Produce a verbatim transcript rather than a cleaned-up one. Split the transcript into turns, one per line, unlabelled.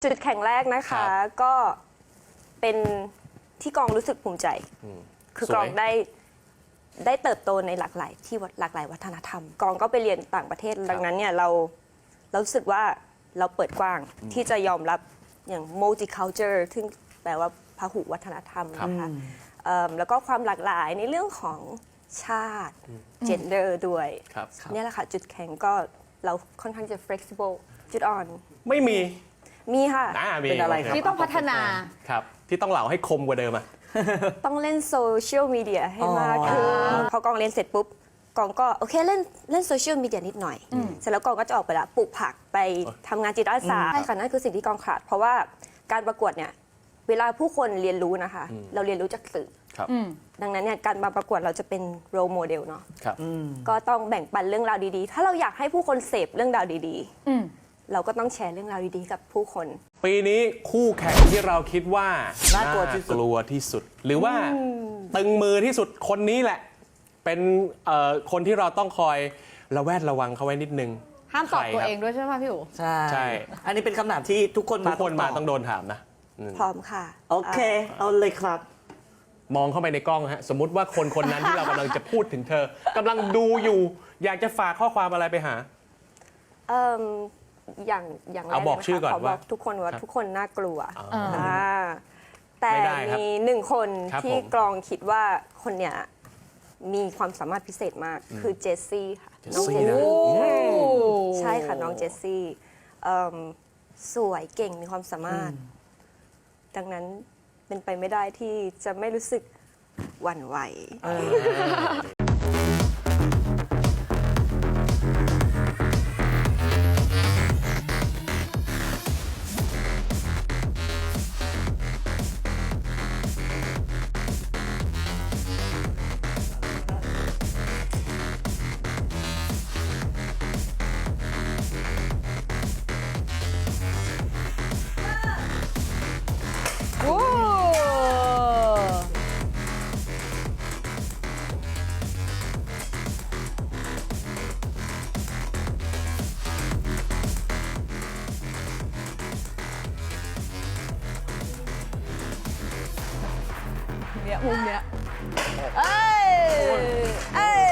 จุดแข็งแรกนะคะก็เป็นที่กองรู้สึกภูมิใจ คือกองได้ได้เติบโตในหลากหลายที่หลากหลายวัฒนธรรม กองก็ไปเรียนต่างประเทศดังนั้นเนี่ยเราเรารู้สึกว่าเราเปิดกว้างที่จะยอมรับอย่าง multicultural ซึ่งแปลว่าพหุวัฒนธรรมนะคะแล้วก็ความหลากหลายในเรื่องของชาติ gender ด้วยนี่แหละค่ะจุดแข็งก็เราค่อนข้างจะ flexible จุดอ่อน
ไม่มี
มีค่ะ
เป็นอะไรครับที่ต้องพัฒนา
ครับที่ต้องเหล่าให้คมกว่าเดิมอ่ะ
ต้องเล่นโซเชียลมีเดียให้มากขึ้นพอกองเรียนเสร็จปุ๊บกองก็โอเคเล่นเล่นโซเชียลมีเดียนิดหน่อยเสร็จแล้วกองก็จะออกไปละปลูกผักไปทำงานจิตอาสาใช่ค่ะนั่นคือสิ่งที่กองขาดเพราะว่าการประกวดเนี่ยเวลาผู้คนเรียนรู้นะคะเราเรียนรู้จากสื่อดังนั้นเนี่ยการมาประกวดเราจะเป็นโรลโมเดลเนาะก็ต้องแบ่งปันเรื่องราวดีๆถ้าเราอยากให้ผู้คนเสพเรื่องราวดีๆเราก็ต้องแชร์เรื่องราวดีๆกับผู้คน
ปีนี้คู่แข่งที่เราคิดว่า
น่ากลัวที่สุด
กลัวที่สุดหรือว่าตึงมือที่สุดคนนี้แหละเป็นคนที่เราต้องคอยระแวดระวังเขาไว้นิดนึง
ห้ามตอบตัวเองด้วยใช่ไหมพี่อู๋
ใช่ใช่อันนี้เป็นคำถามที่ทุกคน
มาทุกคนมาต้องโดนถามนะ
พร้อมค่ะ
โอเคเอาเลยครับ
มองเข้าไปในกล้องฮะสมมุติว่าคนคนนั้นที่เรากำลังจะพูดถึงเธอกำลังดูอยู่อยากจะฝากข้อความอะไรไปหา
เอ่ออย่างอย่างแรก
เอาบอกชื่อก่อนว่า
ทุกคนว่าทุกคนน่ากลัวแต่มีหนึ่งคนที่กรองคิดว่าคนเนี้ยมีความสามารถพิเศษมากคือเจสซี่ค่ะน้องเจสซี่ใช่ค่ะน้องเจสซี่สวยเก่งมีความสามารถดังนั้นเป็นไปไม่ได้ที่จะไม่รู้สึกหวั่นไหว
มุมเนี้ยเอ้ยเอ้ย